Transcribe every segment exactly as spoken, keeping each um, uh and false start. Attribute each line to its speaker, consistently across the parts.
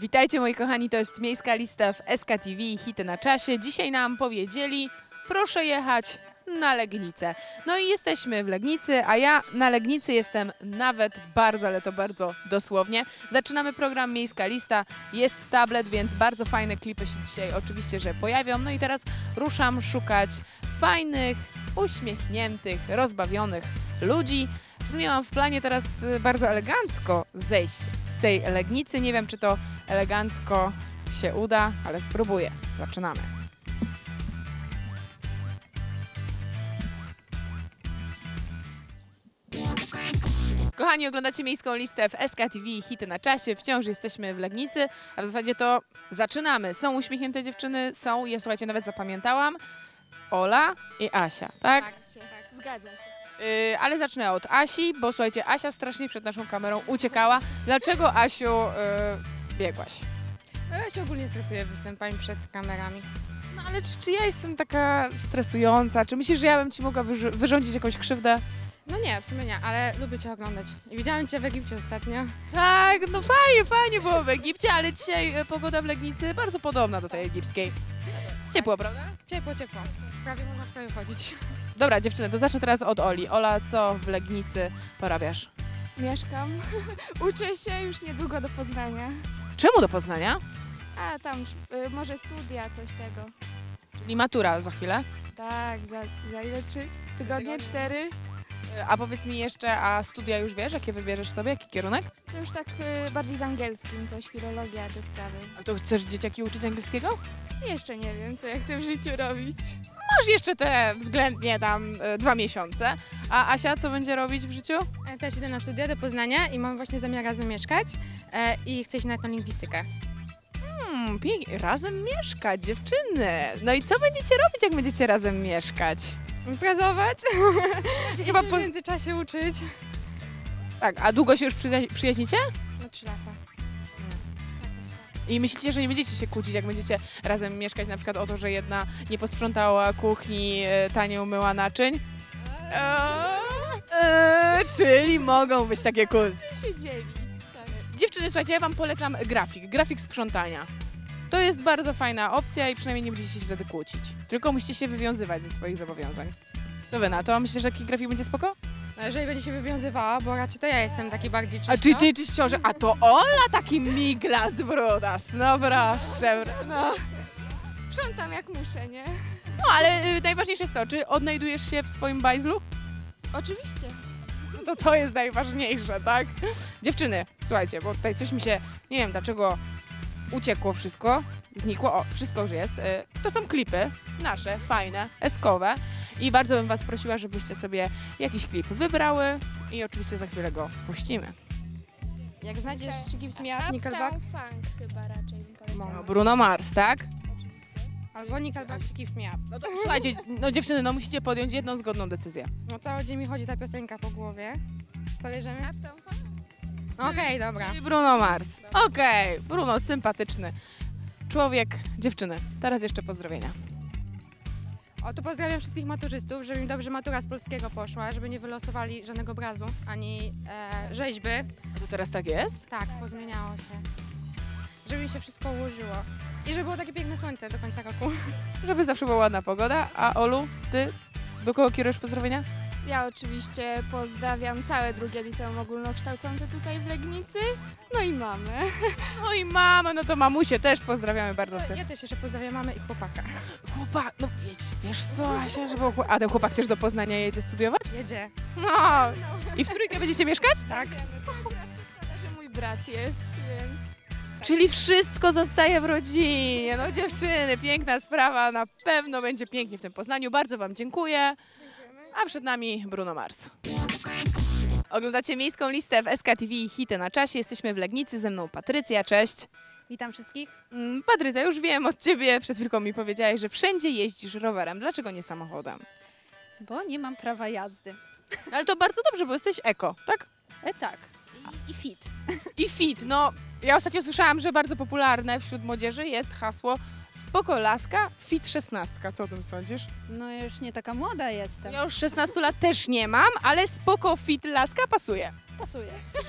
Speaker 1: Witajcie moi kochani, to jest Miejska Lista w S K T V, hity na czasie. Dzisiaj nam powiedzieli, proszę jechać na Legnicę. No i jesteśmy w Legnicy, a ja na Legnicy jestem nawet bardzo, ale to bardzo dosłownie. Zaczynamy program Miejska Lista, jest tablet, więc bardzo fajne klipy się dzisiaj oczywiście, że pojawią. No i teraz ruszam szukać fajnych, uśmiechniętych, rozbawionych ludzi. W sumie mam w planie teraz bardzo elegancko zejść z tej Legnicy. Nie wiem, czy to elegancko się uda, ale spróbuję. Zaczynamy. Kochani, oglądacie Miejską Listę w S K T V, hity na czasie. Wciąż jesteśmy w Legnicy, a w zasadzie to zaczynamy. Są uśmiechnięte dziewczyny, są, je słuchajcie, nawet zapamiętałam, Ola i Asia, tak?
Speaker 2: Tak, tak, zgadza się.
Speaker 1: Yy, ale zacznę od Asi, bo słuchajcie, Asia strasznie przed naszą kamerą uciekała. Dlaczego, Asiu, yy, biegłaś?
Speaker 2: No ja się ogólnie stresuję występami przed kamerami.
Speaker 1: No ale czy, czy ja jestem taka stresująca? Czy myślisz, że ja bym ci mogła wyr wyrządzić jakąś krzywdę?
Speaker 2: No nie, w sumie nie, ale lubię Cię oglądać. I widziałem Cię w Egipcie ostatnio.
Speaker 1: Tak, no fajnie, fajnie było w Egipcie, ale dzisiaj e, pogoda w Legnicy bardzo podobna do tej egipskiej. Ciepło, prawda?
Speaker 2: Ciepło, ciepło. Prawie można w sobie chodzić.
Speaker 1: Dobra, dziewczyny, to zacznę teraz od Oli. Ola, co w Legnicy porabiasz?
Speaker 3: Mieszkam, uczę się już niedługo do Poznania.
Speaker 1: Czemu do Poznania?
Speaker 3: A tam y, może studia, coś tego.
Speaker 1: Czyli matura za chwilę.
Speaker 3: Tak, za, za ile? Trzy tygodnie? Cztery?
Speaker 1: E, A powiedz mi jeszcze, a studia już wiesz, jakie wybierzesz sobie, jaki kierunek?
Speaker 3: To już tak y, bardziej z angielskim, coś, filologia, te sprawy.
Speaker 1: A to chcesz dzieciaki uczyć angielskiego?
Speaker 3: Jeszcze nie wiem, co ja chcę w życiu robić.
Speaker 1: Masz jeszcze te względnie tam e, dwa miesiące. A Asia co będzie robić w życiu?
Speaker 2: Ja też idę na studia do Poznania i mam właśnie zamiar razem mieszkać e, i chcę iść nawet na lingwistykę.
Speaker 1: Hmm, pięknie. Razem mieszkać, dziewczyny. No i co będziecie robić, jak będziecie razem mieszkać?
Speaker 2: Imprezować i
Speaker 1: Chyba
Speaker 2: się
Speaker 1: po...
Speaker 2: w międzyczasie uczyć.
Speaker 1: Tak, a długo się już przyja- przyjaźnicie?
Speaker 2: No trzy lata.
Speaker 1: I myślicie, że nie będziecie się kłócić, jak będziecie razem mieszkać, na przykład o to, że jedna nie posprzątała kuchni, e, ta nie umyła naczyń? Eee, eee, czyli mogą być takie kłótnie.
Speaker 3: się dzielić, tak.
Speaker 1: Dziewczyny, słuchajcie, ja wam polecam grafik, grafik sprzątania. To jest bardzo fajna opcja i przynajmniej nie będziecie się wtedy kłócić. Tylko musicie się wywiązywać ze swoich zobowiązań. Co wy na to? Myślicie, że taki grafik będzie spoko?
Speaker 2: No jeżeli będzie się wywiązywała, bo raczej to ja jestem taki bardziej czysto.
Speaker 1: A czy ty czyściorze? A to Ola taki miglac brudas. No proszę.
Speaker 3: No, sprzątam jak muszę, nie?
Speaker 1: No ale y, najważniejsze jest to, czy odnajdujesz się w swoim bajzlu?
Speaker 3: Oczywiście.
Speaker 1: No to to jest najważniejsze, tak? Dziewczyny, słuchajcie, bo tutaj coś mi się, nie wiem dlaczego uciekło wszystko, znikło, o, wszystko już jest. Y, to są klipy nasze, fajne, eskowe i bardzo bym was prosiła, żebyście sobie jakiś klip wybrały i oczywiście za chwilę go puścimy.
Speaker 2: Jak znajdziesz Gibbs Me Up, Nickelback,
Speaker 3: Funk chyba raczej bym poleciała.
Speaker 1: No, Bruno Mars, tak?
Speaker 2: albo Nickelback czy Gibbs Me Up.
Speaker 1: No to słuchajcie, no dziewczyny, no musicie podjąć jedną zgodną decyzję.
Speaker 2: No cały dzień mi chodzi ta piosenka po głowie. Co bierzemy?
Speaker 3: Uptown Funk?
Speaker 2: No okej, okay, dobra.
Speaker 1: Czyli Bruno Mars. Okej, okay. Bruno, sympatyczny człowiek, dziewczyny. Teraz jeszcze pozdrowienia.
Speaker 2: O, to pozdrawiam wszystkich maturzystów, żeby mi dobrze matura z polskiego poszła, żeby nie wylosowali żadnego obrazu, ani e, rzeźby.
Speaker 1: A to teraz tak jest?
Speaker 2: Tak, pozmieniało się. Żeby mi się wszystko ułożyło. I żeby było takie piękne słońce do końca roku.
Speaker 1: Żeby zawsze była ładna pogoda. A Olu, ty do kogo kierujesz pozdrowienia?
Speaker 3: Ja oczywiście pozdrawiam całe drugie liceum ogólnokształcące tutaj w Legnicy, no i mamę.
Speaker 1: No i mama, no to mamusię też pozdrawiamy bardzo
Speaker 2: To
Speaker 1: serdecznie.
Speaker 2: ja też jeszcze pozdrawiam mamę i chłopaka.
Speaker 1: Chłopak, no wiecie, wiesz co, Asia, żeby... chłop- A ten chłopak też do Poznania jedzie studiować?
Speaker 2: Jedzie.
Speaker 1: No. I w trójkę będziecie mieszkać?
Speaker 2: Tak.
Speaker 3: Szkoda, że mój brat jest, więc...
Speaker 1: Czyli wszystko zostaje w rodzinie. No dziewczyny, piękna sprawa, na pewno będzie pięknie w tym Poznaniu. Bardzo wam dziękuję. A przed nami Bruno Mars. Oglądacie Miejską Listę w S K T V, hity na czasie. Jesteśmy w Legnicy, ze mną Patrycja, cześć.
Speaker 4: Witam wszystkich.
Speaker 1: Mm, Patrycja, już wiem od ciebie, przed chwilką mi powiedziałaś, że wszędzie jeździsz rowerem. Dlaczego nie samochodem?
Speaker 4: Bo nie mam prawa jazdy.
Speaker 1: No, ale to bardzo dobrze, bo jesteś eko, tak?
Speaker 4: E tak. I, i fit.
Speaker 1: I fit, no ja ostatnio słyszałam, że bardzo popularne wśród młodzieży jest hasło spoko laska, fit szesnastka. Co o tym sądzisz?
Speaker 4: No już nie taka młoda jestem.
Speaker 1: Ja już szesnastu lat też nie mam, ale spoko fit laska pasuje.
Speaker 4: Pasuje.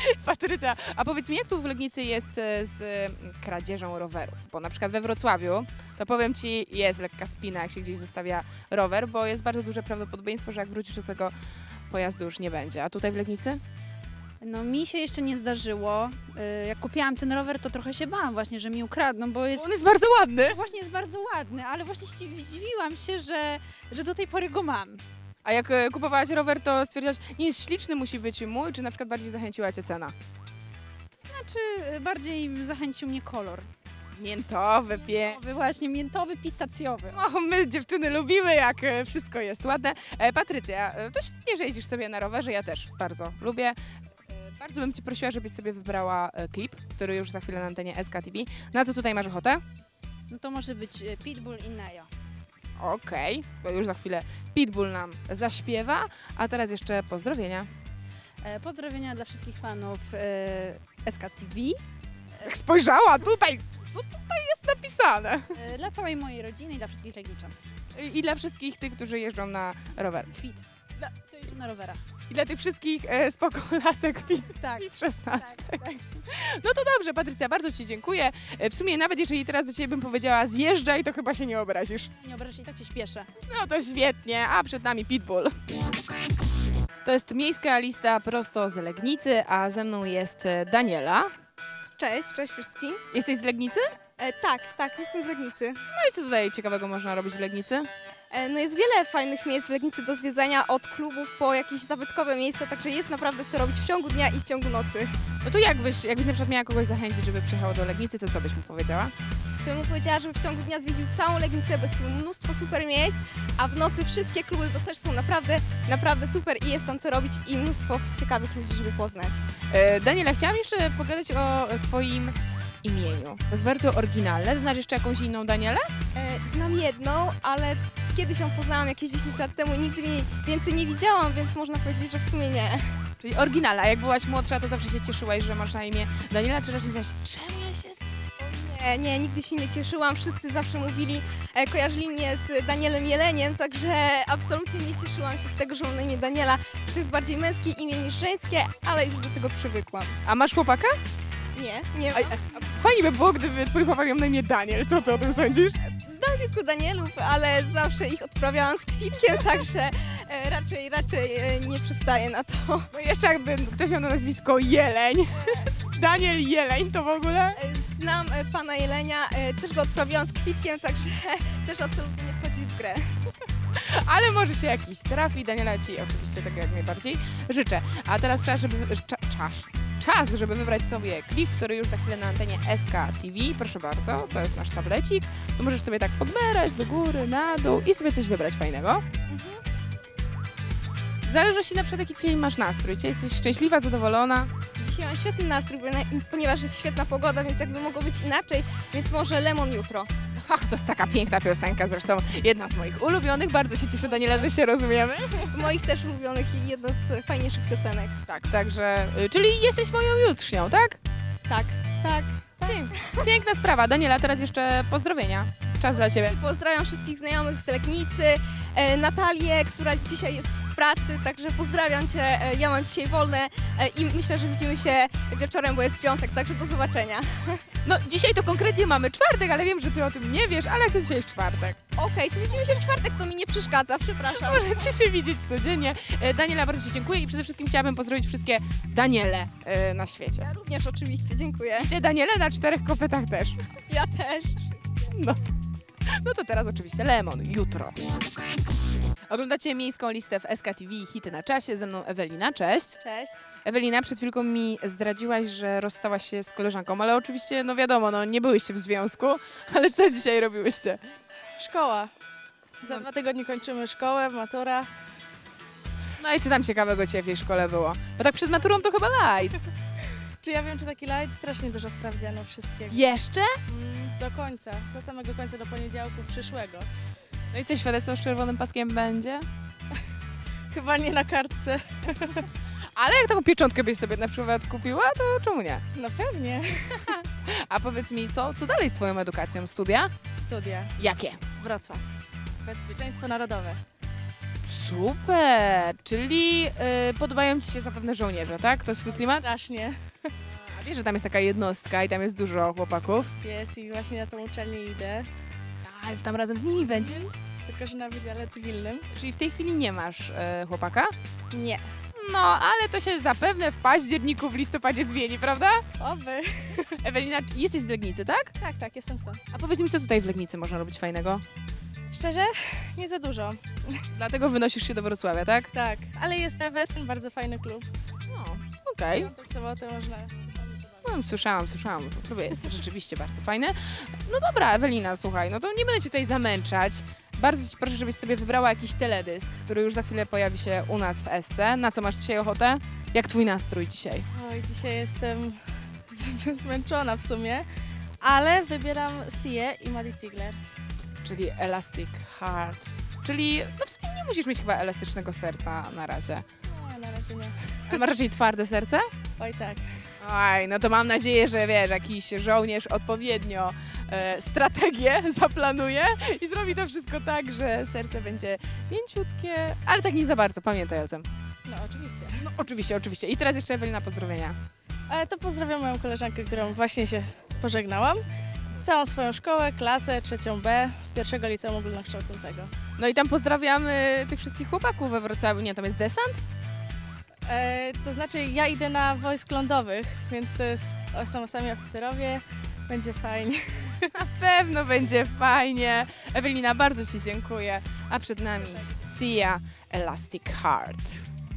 Speaker 1: Patrycja, a powiedz mi, jak tu w Legnicy jest e, z e, kradzieżą rowerów? Bo na przykład we Wrocławiu, to powiem Ci, jest lekka spina, jak się gdzieś zostawia rower, bo jest bardzo duże prawdopodobieństwo, że jak wrócisz do tego pojazdu już nie będzie. A tutaj w Legnicy?
Speaker 4: No mi się jeszcze nie zdarzyło. Y, Jak kupiłam ten rower, to trochę się bałam właśnie, że mi ukradną, bo jest...
Speaker 1: On jest bardzo ładny.
Speaker 4: Właśnie jest bardzo ładny, ale właśnie zdziwi- zdziwiłam się, że, że do tej pory go mam.
Speaker 1: A jak e, kupowałaś rower, to stwierdziłaś, nie jest śliczny, musi być mój, czy na przykład bardziej zachęciła Cię cena?
Speaker 4: Znaczy y, bardziej zachęcił mnie kolor.
Speaker 1: Miętowy, piękny.
Speaker 4: Miętowy, właśnie miętowy, pistacjowy.
Speaker 1: O, my dziewczyny lubimy, jak e, wszystko jest ładne. E, Patrycja, e, to świetnie, że jeździsz sobie na rowerze, ja też bardzo lubię. E, Bardzo bym Cię prosiła, żebyś sobie wybrała e, klip, który już za chwilę na antenie S K T V. Na co tutaj masz ochotę?
Speaker 4: No to może być y, Pitbull i Neo.
Speaker 1: Okej, bo już za chwilę Pitbull nam zaśpiewa, a teraz jeszcze pozdrowienia.
Speaker 4: E, Pozdrowienia dla wszystkich fanów e, S K T V,
Speaker 1: Jak spojrzała tutaj, co tutaj jest napisane?
Speaker 4: e, dla całej mojej rodziny i dla wszystkich Legniczan.
Speaker 1: I, i dla wszystkich tych, którzy jeżdżą na rower.
Speaker 4: Kwit.
Speaker 1: Dla,
Speaker 4: Co jeżdżą na rowerach.
Speaker 1: I dla tych wszystkich e, spoko lasek Kwit,
Speaker 4: Tak.
Speaker 1: Kwit szesnaście.
Speaker 4: Tak, tak.
Speaker 1: No to dobrze, Patrycja, bardzo Ci dziękuję. E, W sumie nawet jeżeli teraz do Ciebie bym powiedziała zjeżdżaj, to chyba się nie obrazisz.
Speaker 4: Nie obrażę się, i tak się śpieszę.
Speaker 1: No to świetnie, a przed nami Pitbull. To jest miejska lista prosto z Legnicy, a ze mną jest e, Daniela.
Speaker 3: Cześć, cześć wszystkim.
Speaker 1: Jesteś z Legnicy?
Speaker 3: E, tak, tak, jestem z Legnicy.
Speaker 1: No i co tutaj ciekawego można robić w Legnicy?
Speaker 3: E, no jest wiele fajnych miejsc w Legnicy do zwiedzania, od klubów po jakieś zabytkowe miejsca, także jest naprawdę co robić w ciągu dnia i w ciągu nocy.
Speaker 1: No to jakbyś, jakbyś na przykład miała kogoś zachęcić, żeby przyjechał do Legnicy, to co byś mu powiedziała?
Speaker 3: To bym mu powiedziała, żeby w ciągu dnia zwiedził całą Legnicę, bo jest tu mnóstwo super miejsc, a w nocy wszystkie kluby, bo też są naprawdę, naprawdę super i jest tam co robić i mnóstwo ciekawych ludzi, żeby poznać.
Speaker 1: E, Daniela, chciałam jeszcze pogadać o Twoim imieniu. To jest bardzo oryginalne. Znasz jeszcze jakąś inną Danielę?
Speaker 3: E, znam jedną, ale kiedyś ją poznałam jakieś dziesięć lat temu i nigdy jej więcej nie widziałam, więc można powiedzieć, że w sumie nie.
Speaker 1: Czyli oryginalna. A jak byłaś młodsza, to zawsze się cieszyłaś, że masz na imię Daniela, czy raczej mówiłaś, czemu ja się...
Speaker 3: Nie, nie, nigdy się nie cieszyłam. Wszyscy zawsze mówili, e, kojarzyli mnie z Danielem Jeleniem, także absolutnie nie cieszyłam się z tego, że mam na imię Daniela. To jest bardziej męskie imię niż żeńskie, ale już do tego przywykłam.
Speaker 1: A masz chłopaka?
Speaker 3: Nie, nie
Speaker 1: A,
Speaker 3: mam.
Speaker 1: a, fajnie by było, gdyby twój chłopak miał na imię Daniel. Co ty o tym sądzisz?
Speaker 3: Znam kilku Danielów, ale zawsze ich odprawiałam z kwitkiem, także e, raczej, raczej e, nie przystaję na to.
Speaker 1: No jeszcze jakby ktoś miał na nazwisko Jeleń. Daniel Jeleń to w ogóle?
Speaker 3: E, Znam e, pana Jelenia, e, też go odprawiałam z kwitkiem, także też absolutnie nie wchodzi w grę.
Speaker 1: Ale może się jakiś trafi. Daniela Ci oczywiście tego jak najbardziej życzę. A teraz czas, żeby... Cza, czas. Czas, żeby wybrać sobie klip, który już za chwilę na antenie S K T V. Proszę bardzo, to jest nasz tablecik. Tu możesz sobie tak podbierać do góry, na dół i sobie coś wybrać fajnego. W zależności na przykład jaki dzisiaj masz nastrój. Czy jesteś szczęśliwa, zadowolona?
Speaker 3: Dzisiaj mam świetny nastrój, bo na- ponieważ jest świetna pogoda, więc jakby mogło być inaczej, więc może Lemon jutro.
Speaker 1: Ach, to jest taka piękna piosenka, zresztą jedna z moich ulubionych. Bardzo się cieszę, Daniela, że się rozumiemy.
Speaker 3: Moich też ulubionych i jedna z fajniejszych piosenek.
Speaker 1: Tak, także... y, Czyli jesteś moją jutrznią, tak?
Speaker 3: Tak, tak.
Speaker 1: Piękna sprawa. Daniela, teraz jeszcze pozdrowienia. Czas dla Ciebie.
Speaker 3: Pozdrawiam wszystkich znajomych z Legnicy, e, Natalię, która dzisiaj jest w pracy, także pozdrawiam Cię, e, ja mam dzisiaj wolne e, i myślę, że widzimy się wieczorem, bo jest piątek, także do zobaczenia.
Speaker 1: No, dzisiaj to konkretnie mamy czwartek, ale wiem, że Ty o tym nie wiesz, ale jak to dzisiaj jest czwartek?
Speaker 3: Okej, to widzimy się w czwartek, to mi nie przeszkadza, przepraszam.
Speaker 1: Możecie się widzieć codziennie. E, Daniela, bardzo Ci dziękuję i przede wszystkim chciałabym pozdrowić wszystkie Daniele e, na świecie.
Speaker 3: Ja również oczywiście, dziękuję.
Speaker 1: Te Daniele na czterech kopytach też.
Speaker 3: Ja też.
Speaker 1: No to, no to teraz oczywiście Lemon, jutro. Oglądacie miejską listę w S K T V Hity na czasie. Ze mną Ewelina, cześć.
Speaker 4: Cześć.
Speaker 1: Ewelina, przed chwilką mi zdradziłaś, że rozstałaś się z koleżanką, ale oczywiście, no wiadomo, no nie byłyście w związku, ale co dzisiaj robiłyście?
Speaker 5: Szkoła. Za dwa tygodnie kończymy szkołę, matura.
Speaker 1: No i co tam ciekawego Cię w tej szkole było? Bo tak przed maturą to chyba light.
Speaker 5: Czy ja wiem, czy taki light? Strasznie dużo sprawdziano wszystkiego.
Speaker 1: Jeszcze?
Speaker 5: Mm, do końca, do samego końca, do poniedziałku przyszłego.
Speaker 1: No i co, świadectwo z czerwonym paskiem będzie?
Speaker 5: Chyba nie na kartce.
Speaker 1: Ale jak taką pieczątkę byś sobie na przykład kupiła, to czemu nie?
Speaker 5: No pewnie.
Speaker 1: A powiedz mi, co, co dalej z Twoją edukacją? Studia?
Speaker 5: Studia.
Speaker 1: Jakie?
Speaker 5: Wrocław. Bezpieczeństwo narodowe.
Speaker 1: super! Czyli y, podobają Ci się zapewne żołnierze, tak? To jest twój klimat?
Speaker 5: Strasznie.
Speaker 1: A wiesz, że tam jest taka jednostka i tam jest dużo chłopaków?
Speaker 5: Jest i właśnie na tą uczelnię idę,
Speaker 1: A tam razem z nimi będziesz?
Speaker 5: tylko że na wydziale cywilnym.
Speaker 1: Czyli w tej chwili nie masz e, chłopaka?
Speaker 5: Nie.
Speaker 1: No, ale to się zapewne w październiku, w listopadzie zmieni, prawda?
Speaker 5: Oby.
Speaker 1: Ewelina, czy- jesteś z Legnicy, tak?
Speaker 5: Tak, tak, jestem stąd.
Speaker 1: A powiedz mi, co tutaj w Legnicy można robić fajnego?
Speaker 5: Szczerze? Nie za dużo.
Speaker 1: Dlatego wynosisz się do Wrocławia, tak?
Speaker 5: Tak, ale jest Wesen, bardzo fajny klub.
Speaker 1: No, okej.
Speaker 5: Tak w sobotę można...
Speaker 1: No, słyszałam, słyszałam. To klub jest rzeczywiście bardzo fajny. No dobra, Ewelina, słuchaj, no to nie będę Cię tutaj zamęczać. Bardzo Ci proszę, żebyś sobie wybrała jakiś teledysk, który już za chwilę pojawi się u nas w Esce. Na co masz dzisiaj ochotę? Jak Twój nastrój dzisiaj?
Speaker 5: Oj, dzisiaj jestem z- zmęczona w sumie, ale wybieram Się i Maddie Ziegler.
Speaker 1: Czyli Elastic Heart. Czyli, no w sumie nie musisz mieć chyba elastycznego serca na razie.
Speaker 5: No, na razie nie.
Speaker 1: Ale masz raczej twarde serce?
Speaker 5: Oj, tak.
Speaker 1: Oj, no to mam nadzieję, że wiesz, jakiś żołnierz odpowiednio e, strategię zaplanuje i zrobi to wszystko tak, że serce będzie mięciutkie, ale tak nie za bardzo, pamiętaj o tym.
Speaker 5: No, oczywiście.
Speaker 1: No oczywiście, oczywiście. I teraz jeszcze Ewelina, pozdrowienia.
Speaker 5: Ale to pozdrawiam moją koleżankę, którą właśnie się pożegnałam. Całą swoją szkołę, klasę, trzecią B z pierwszego liceum ogólnokształcącego.
Speaker 1: No i tam pozdrawiamy tych wszystkich chłopaków we Wrocławiu. Nie, tam jest desant?
Speaker 5: E, to znaczy ja idę na wojsk lądowych, więc to jest, o, są sami oficerowie, będzie fajnie.
Speaker 1: Na pewno będzie fajnie. Ewelina, bardzo Ci dziękuję. A przed nami Sia Elastic Heart.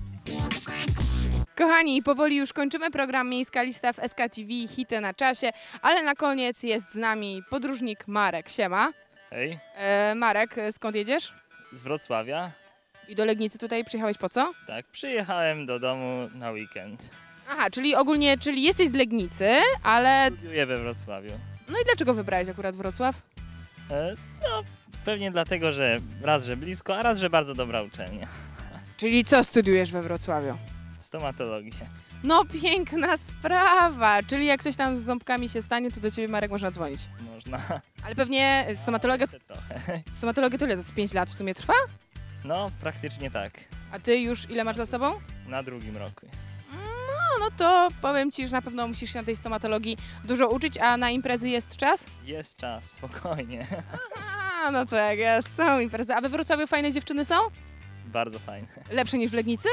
Speaker 1: Kochani, powoli już kończymy program Miejska Lista w S K T V, hity na czasie, ale na koniec jest z nami podróżnik Marek. Siema.
Speaker 6: Hej,
Speaker 1: E, Marek, skąd jedziesz?
Speaker 6: z Wrocławia.
Speaker 1: I do Legnicy tutaj przyjechałeś po co?
Speaker 6: Tak, przyjechałem do domu na weekend.
Speaker 1: Aha, czyli ogólnie, czyli jesteś z Legnicy, ale...
Speaker 6: Studiuję we Wrocławiu.
Speaker 1: No i dlaczego wybrałeś akurat Wrocław?
Speaker 6: E, no, pewnie dlatego, że raz, że blisko, a raz, że bardzo dobra uczelnia.
Speaker 1: Czyli co studiujesz we Wrocławiu?
Speaker 6: Stomatologię.
Speaker 1: No piękna sprawa, czyli jak coś tam z ząbkami się stanie, to do Ciebie, Marek, można dzwonić.
Speaker 6: Można.
Speaker 1: Ale pewnie stomatologia,
Speaker 6: Jeszcze trochę.
Speaker 1: stomatologia to ile? To z pięć lat w sumie trwa?
Speaker 6: No, praktycznie tak.
Speaker 1: A Ty już ile masz za sobą?
Speaker 6: Na drugim roku jest.
Speaker 1: No, no to powiem Ci, że na pewno musisz się na tej stomatologii dużo uczyć, a na imprezy jest czas?
Speaker 6: Jest czas, spokojnie.
Speaker 1: A, no to jak jest, są imprezy. A we Wrocławiu fajne dziewczyny są?
Speaker 6: Bardzo fajne.
Speaker 1: Lepsze niż w Legnicy?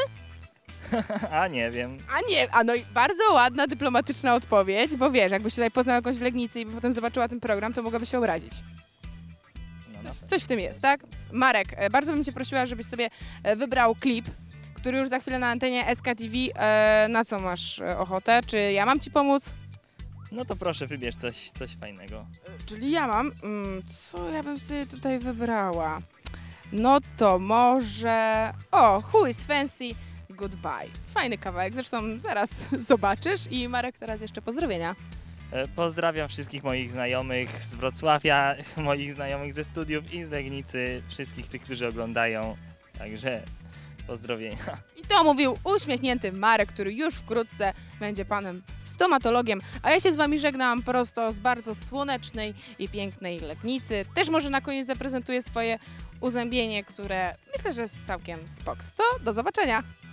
Speaker 6: A nie wiem.
Speaker 1: A nie, a no i bardzo ładna, dyplomatyczna odpowiedź, bo wiesz, jakbyś tutaj poznał jakąś w Legnicy i potem zobaczyła ten program, to mogłaby się obrazić.
Speaker 6: No, na
Speaker 1: Coś,
Speaker 6: pewno.
Speaker 1: coś w tym jest, tak? Marek, e, bardzo bym Cię prosiła, żebyś sobie e, wybrał klip, który już za chwilę na antenie S K T V. E, na co masz e, ochotę? Czy ja mam Ci pomóc?
Speaker 6: No to proszę, wybierz coś, coś fajnego.
Speaker 1: E, czyli ja mam. Mm, co ja bym sobie tutaj wybrała? No to może... O, Who is Fancy? Goodbye. Fajny kawałek, zresztą zaraz zobaczysz. I Marek, teraz jeszcze pozdrowienia.
Speaker 6: E, Pozdrawiam wszystkich moich znajomych z Wrocławia, moich znajomych ze studiów i z Legnicy, wszystkich tych, którzy oglądają. Także pozdrowienia.
Speaker 1: I to mówił uśmiechnięty Marek, który już wkrótce będzie panem stomatologiem. A ja się z Wami żegnam prosto z bardzo słonecznej i pięknej Legnicy. Też może na koniec zaprezentuję swoje uzębienie, które myślę, że jest całkiem spoko. To do zobaczenia!